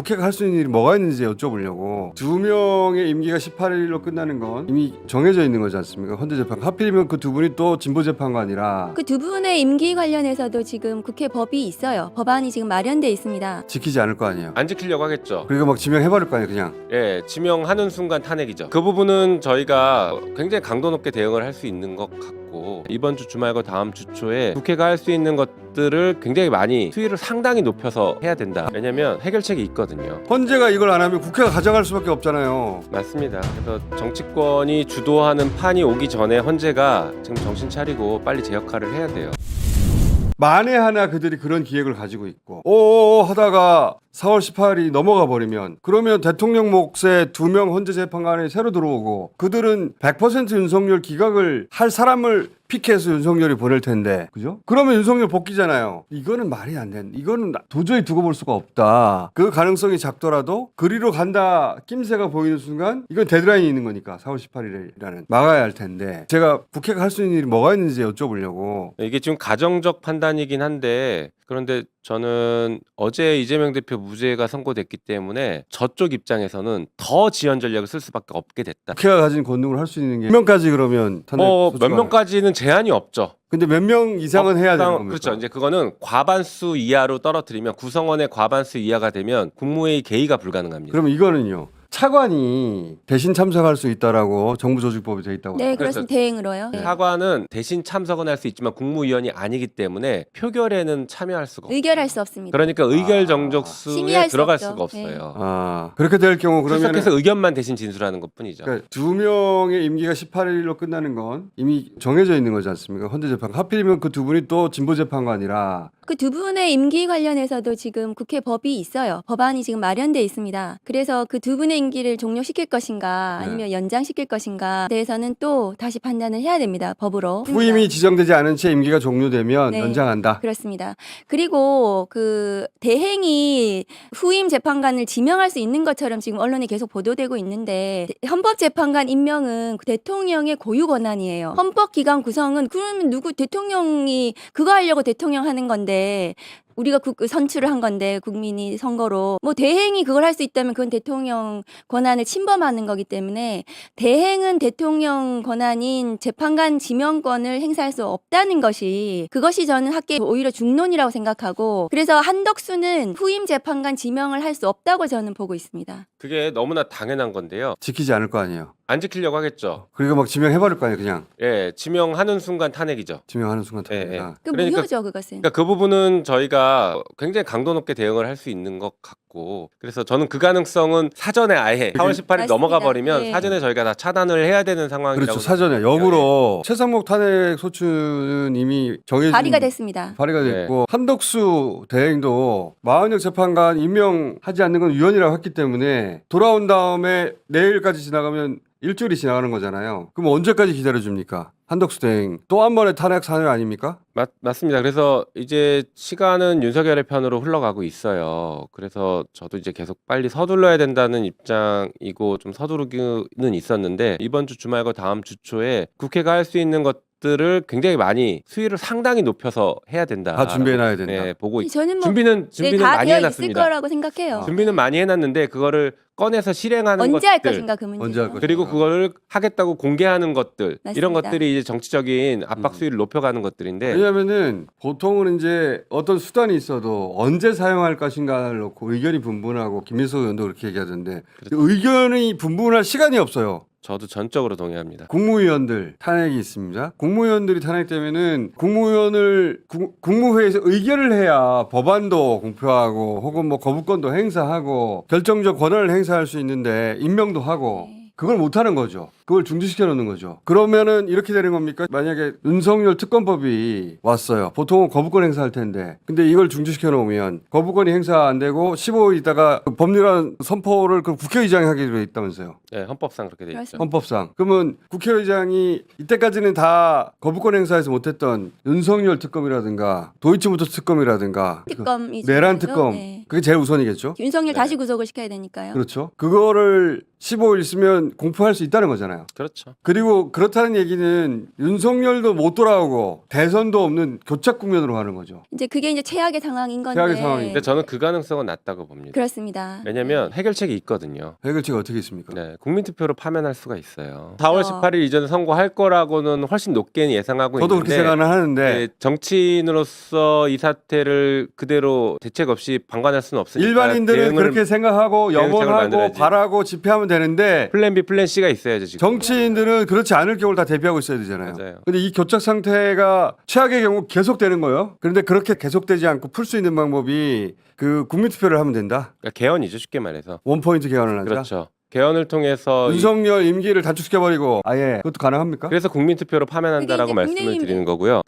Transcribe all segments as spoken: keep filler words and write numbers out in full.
국회가 할 수 있는 일이 뭐가 있는지 여쭤보려고. 두 명의 임기가 십팔 일로 끝나는 건 이미 정해져 있는 거지 않습니까? 헌재재판. 하필이면 그 두 분이 또 진보재판관이라 그 두 분의 임기 관련해서도 지금 국회 법이 있어요. 법안이 지금 마련돼 있습니다. 지키지 않을 거 아니에요. 안 지키려고 하겠죠. 그리고 막 지명해버릴 거 아니에요 그냥. 예, 지명하는 순간 탄핵이죠. 그 부분은 저희가 굉장히 강도 높게 대응을 할 수 있는 것 같고, 이번 주 주말과 다음 주 초에 국회가 할 수 있는 것들을 굉장히 많이 수위를 상당히 높여서 해야 된다. 왜냐면 해결책이 있거든요. 헌재가 이걸 안 하면 국회가 가져갈 수밖에 없잖아요. 맞습니다. 그래서 정치권이 주도하는 판이 오기 전에 헌재가 지금 정신 차리고 빨리 제 역할을 해야 돼요. 만에 하나 그들이 그런 기획을 가지고 있고 오오오 하다가 사월 십팔일이 넘어가 버리면, 그러면 대통령 몫에 두 명 헌재 재판관이 새로 들어오고 그들은 백 퍼센트 윤석열 기각을 할 사람을 픽해서 윤석열이 보낼 텐데, 그죠? 그러면 윤석열 복귀잖아요. 이거는 말이 안 된다. 이거는 도저히 두고 볼 수가 없다. 그 가능성이 작더라도 그리로 간다 낌새가 보이는 순간 이건 데드라인이 있는 거니까 사월 십팔일이라는 막아야 할 텐데, 제가 국회가 할 수 있는 일이 뭐가 있는지 여쭤보려고. 이게 지금 가정적 판단이긴 한데, 그런데 저는 어제 이재명 대표 무죄가 선고됐기 때문에 저쪽 입장에서는 더 지연 전략을 쓸 수밖에 없게 됐다. 국회가 가진 권능을 할 수 있는 게 몇 명까지 그러면 탄핵 어, 소추가 몇 명까지는 제한이 없죠. 근데 몇 명 이상은 해야 되는 겁니까? 그렇죠. 이제 그거는 과반수 이하로 떨어뜨리면, 구성원의 과반수 이하가 되면 국무회의 개의가 불가능합니다. 그러면 이거는요. 차관이 대신 참석할 수 있다라고 정부조직법에 돼 있다고. 네, 그래서 그렇습니다. 대행으로요. 네. 차관은 대신 참석은 할 수 있지만 국무위원이 아니기 때문에 표결에는 참여할 수가 없어요. 의결할 수 없습니다. 그러니까 의결 아, 정족수에 심의할 수 들어갈 없죠. 수가 없어요. 아 그렇게 될 경우 그러면 출석해서 의견만 대신 진술하는 것뿐이죠. 그러니까 두 명의 임기가 십팔 일로 끝나는 건 이미 정해져 있는 거지 않습니까? 헌재재판. 하필이면 그 두 분이 또 진보재판관이라. 그 두 분의 임기 관련해서도 지금 국회 법이 있어요. 법안이 지금 마련돼 있습니다. 그래서 그 두 분의 임기를 종료시킬 것인가 네. 아니면 연장시킬 것인가 대해서는 또 다시 판단을 해야 됩니다. 법으로. 후임이 지정되지 않은 채 임기가 종료되면 네. 연장한다. 그렇습니다. 그리고 그 대행이 후임 재판관을 지명할 수 있는 것처럼 지금 언론에 계속 보도되고 있는데, 헌법재판관 임명은 대통령의 고유 권한이에요. 헌법기관 구성은 그러면 누구 대통령이 그거 하려고 대통령 하는 건데, 우리가 국, 선출을 한 건데 국민이 선거로 뭐 대행이 그걸 할 수 있다면 그건 대통령 권한을 침범하는 거기 때문에 대행은 대통령 권한인 재판관 지명권을 행사할 수 없다는 것이, 그것이 저는 학계 오히려 중론이라고 생각하고, 그래서 한덕수는 후임 재판관 지명을 할 수 없다고 저는 보고 있습니다. 그게 너무나 당연한 건데요. 지키지 않을 거 아니에요. 안 지키려고 하겠죠. 그리고 막 지명해버릴 거 아니에요. 그냥 예, 지명하는 순간 탄핵이죠. 지명하는 순간 예, 탄핵이다. 그 그러니까- 무효죠, 그것은. 그러니까 그 부분은 저희가 굉장히 강도 높게 대응을 할 수 있는 것 같고, 그래서 저는 그 가능성은 사전에 아예 사월 십팔일 맞습니다. 넘어가 버리면 예. 사전에 저희가 다 차단을 해야 되는 상황이라고. 그렇죠. 사전에 생각해요. 역으로 최상목 탄핵 소추는 이미 정해진 발의가 됐습니다. 발의가 네. 됐고, 한덕수 대행도 마흔역 재판관 임명하지 않는 건 위헌이라고 했기 때문에 돌아온 다음에 내일까지 지나가면 일주일이 지나가는 거잖아요. 그럼 언제까지 기다려줍니까? 한덕수 대행 또 한 번의 탄핵 사유 아닙니까? 맞, 맞습니다. 그래서 이제 시간은 윤석열의 편으로 흘러가고 있어요. 그래서 저도 이제 계속 빨리 서둘러야 된다는 입장이고 좀 서두르기는 있었는데, 이번 주 주말과 다음 주 초에 국회가 할 수 있는 것들을 굉장히 많이 수위를 상당히 높여서 해야 된다. 다 준비해놔야 된다. 네, 보고 있... 저는 뭐 준비는 준비는 네, 다 많이 되어 있을 해놨습니다. 거라고 생각해요. 준비는 많이 해놨는데 그거를 꺼내서 실행하는 언제 할 것들, 것인가 그 문제. 언제 할 것인가. 그리고 그거를 하겠다고 공개하는 것들, 맞습니다. 이런 것들이 이제 정치적인 압박 수위를 높여가는 것들인데, 왜냐면은 보통은 이제 어떤 수단이 있어도 언제 사용할 것인가를 놓고 의견이 분분하고, 김민석 의원도 그렇게 얘기하던데 의견이 분분할 시간이 없어요. 저도 전적으로 동의합니다. 국무위원들 탄핵이 있습니다. 국무위원들이 탄핵되면은 국무위원을 구, 국무회의에서 의결을 해야 법안도 공표하고 혹은 뭐 거부권도 행사하고 결정적 권한을 행사할 수 있는데 임명도 하고, 네. 그걸 못하는 거죠. 그걸 중지시켜 놓는 거죠. 그러면은 이렇게 되는 겁니까? 만약에 윤석열 특검법이 왔어요. 보통은 거부권 행사할 텐데, 근데 이걸 중지시켜 놓으면 거부권이 행사 안 되고 십오 일 있다가 그 법률안 선포를 그 국회의장이 하게 돼 있다면서요. 네, 헌법상 그렇게 돼 있죠. 그렇습니다. 헌법상. 그러면 국회의장이 이때까지는 다 거부권 행사에서 못했던 윤석열 특검이라든가 도이치모터 특검이라든가 특검이 내란 중요하죠. 특검, 네. 그게 제일 우선이겠죠. 윤석열 네. 다시 구속을 시켜야 되니까요. 그렇죠. 그거를 십오 일 있으면 공포할 수 있다는 거잖아요. 아니잖아요. 그렇죠. 그리고 그렇다는 얘기는 윤석열도 못 돌아오고 대선도 없는 교착 국면으로 가는 거죠. 이제 그게 이제 최악의 상황인 건데. 최악의 상황이죠. 근데 저는 그 가능성은 낮다고 봅니다. 그렇습니다. 왜냐하면 해결책이 있거든요. 해결책이 어떻게 있습니까? 네, 국민투표로 파면할 수가 있어요. 사월 어. 십팔일 이전에 선거할 거라고는 훨씬 높게 예상하고 저도 있는데 그렇게 생각은 하는데 네, 정치인으로서 이 사태를 그대로 대책 없이 방관할 수는 없으니까 일반인들은 대응을- 그렇게 생각하고 대응책을 염원하고 만들어야지. 바라고 집회하면 되는데 플랜 B, 플랜 C가 있어야죠 지금. 정치인들은 그렇지 않을 경우를 다 대비하고 있어야 되잖아요. 맞아요. 근데 이 교착 상태가 최악의 경우 계속되는 거예요. 그런데 그렇게 계속되지 않고 풀 수 있는 방법이 그 국민투표를 하면 된다. 그러니까 개헌이죠 쉽게 말해서. 원포인트 개헌을 하자. 그렇죠. 개헌을 통해서 이- 윤석열 임기를 단축시켜버리고 아예 그것도 가능합니까? 그래서 국민투표로 파면한다라고 그게 이제 말씀을 국민의힘- 드리는 거고요.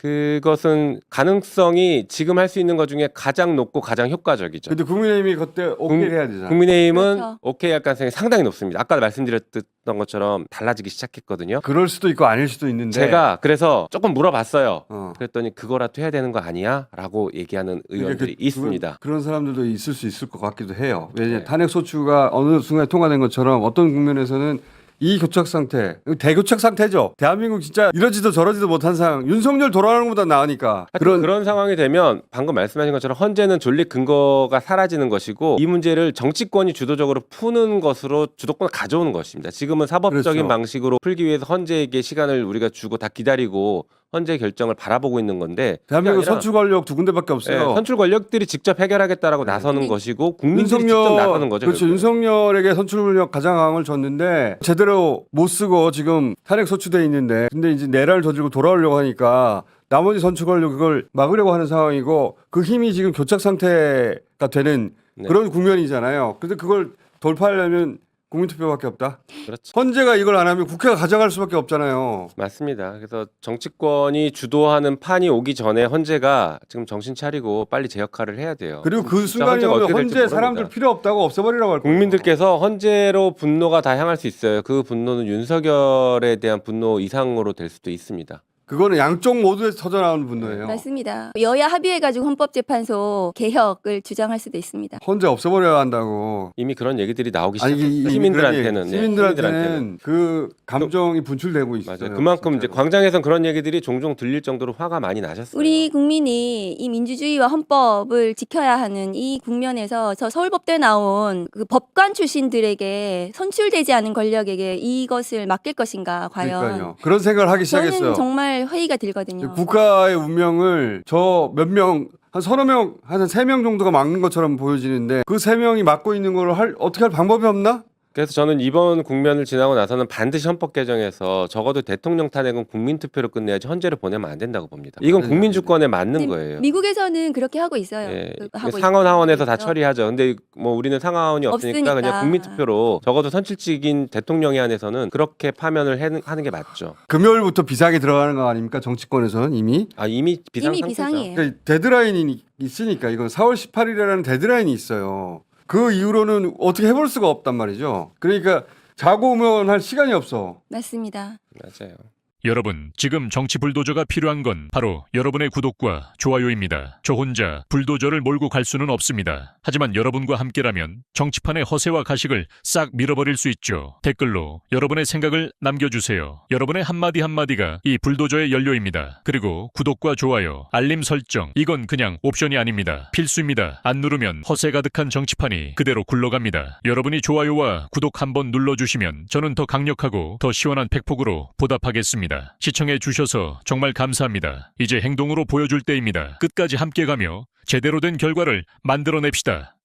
그것은 가능성이 지금 할 수 있는 것 중에 가장 높고 가장 효과적이죠. 근데 국민의힘이 그때 오케이 해야 되잖아. 국민의힘은 그렇죠. 오케이 할 가능성이 상당히 높습니다. 아까 말씀드렸던 것처럼 달라지기 시작했거든요. 그럴 수도 있고 아닐 수도 있는데 제가 그래서 조금 물어봤어요. 어. 그랬더니 그거라도 해야 되는 거 아니야? 라고 얘기하는 의원들이 그러니까 그- 있습니다. 그런, 그런 사람들도 있을 수 있을 것 같기도 해요. 왜냐 네. 탄핵 소추가 어느 순간에 통과된 것처럼 어떤 국면에서는 이 교착 상태, 대교착 상태죠. 대한민국 진짜 이러지도 저러지도 못한 상황. 윤석열 돌아가는 것보다 나으니까 그런 그런 그런 상황이 되면 방금 말씀하신 것처럼 헌재는 존립 근거가 사라지는 것이고 이 문제를 정치권이 주도적으로 푸는 것으로 주도권을 가져오는 것입니다. 지금은 사법적인 그렇죠. 방식으로 풀기 위해서 헌재에게 시간을 우리가 주고 다 기다리고 헌재 결정을 바라보고 있는 건데 대한민국 그게 아니라 선출 권력 두 군데밖에 없어요. 예, 선출 권력들이 직접 해결하겠다라고 나서는 근데 것이고 국민들이 직접 나서는 거죠. 그렇죠. 결국은. 윤석열에게 선출 권력 가장 강을 줬는데 제대로 못 쓰고 지금 탄핵 소추돼 있는데 근데 이제 내란을 저지르고 돌아오려고 하니까 나머지 선출 권력 그걸 막으려고 하는 상황이고 그 힘이 지금 교착 상태가 되는 네. 그런 국면이잖아요. 근데 그걸 돌파하려면 국민투표밖에 없다. 그렇죠. 헌재가 이걸 안 하면 국회가 가져갈 수밖에 없잖아요. 맞습니다. 그래서 정치권이 주도하는 판이 오기 전에 헌재가 지금 정신 차리고 빨리 제 역할을 해야 돼요. 그리고 그 진짜 순간이 헌재가 오면 어떻게 될지 헌재 모릅니다. 사람들 필요 없다고 없애버리라고 할 거예요. 국민들께서 헌재로 분노가 다 향할 수 있어요. 그 분노는 윤석열에 대한 분노 이상으로 될 수도 있습니다. 그거는 양쪽 모두에서 터져나오는 분노예요. 맞습니다. 여야 합의해가지고 헌법재판소 개혁을 주장할 수도 있습니다. 헌재 없애버려야 한다고. 이미 그런 얘기들이 나오기 아니, 시작했어요. 이미 시민들한테는. 그런 얘기, 네, 시민들한테는 그 감정이 분출되고 있어요. 맞아요. 그만큼 이제 진짜로. 광장에선 그런 얘기들이 종종 들릴 정도로 화가 많이 나셨어요. 우리 국민이 이 민주주의와 헌법을 지켜야 하는 이 국면에서 저 서울법대 나온 그 법관 출신들에게 선출되지 않은 권력에게 이것을 맡길 것인가 과연. 그러니까요. 그런 생각을 하기 시작했어요. 저는 정말 회의가 들거든요. 국가의 운명을 저 몇 명, 한 서너 명, 한 세 명 정도가 막는 것처럼 보여지는데 그 세 명이 막고 있는 걸 할, 어떻게 할 방법이 없나? 그래서 저는 이번 국면을 지나고 나서는 반드시 헌법 개정에서 적어도 대통령 탄핵은 국민투표로 끝내야지 헌재를 보내면 안 된다고 봅니다. 이건 안 국민 된다. 주권에 맞는 근데 거예요. 미국에서는 그렇게 하고 있어요. 예, 그- 하고 상원 있- 하원에서 다 있죠. 처리하죠. 근데 뭐 우리는 상원 하원이 없으니까, 없으니까. 그냥 국민투표로 적어도 선출직인 대통령에 한해서는 그렇게 파면을 해는- 하는 게 맞죠. 금요일부터 비상이 들어가는 거 아닙니까? 정치권에서는 이미. 아 이미 비상 이미 상태죠. 비상이에요. 그러니까 데드라인이 있으니까 이건 사월 십팔일이라는 데드라인이 있어요. 그 이후로는 어떻게 해볼 수가 없단 말이죠. 그러니까 자고 오면 할 시간이 없어. 맞습니다. 맞아요. 여러분, 지금 정치 불도저가 필요한 건 바로 여러분의 구독과 좋아요입니다. 저 혼자 불도저를 몰고 갈 수는 없습니다. 하지만 여러분과 함께라면 정치판의 허세와 가식을 싹 밀어버릴 수 있죠. 댓글로 여러분의 생각을 남겨주세요. 여러분의 한마디 한마디가 이 불도저의 연료입니다. 그리고 구독과 좋아요, 알림 설정, 이건 그냥 옵션이 아닙니다. 필수입니다. 안 누르면 허세 가득한 정치판이 그대로 굴러갑니다. 여러분이 좋아요와 구독 한번 눌러주시면 저는 더 강력하고 더 시원한 팩폭으로 보답하겠습니다. 시청해 주셔서 정말 감사합니다. 이제 행동으로 보여줄 때입니다. 끝까지 함께 가며 제대로 된 결과를 만들어냅시다.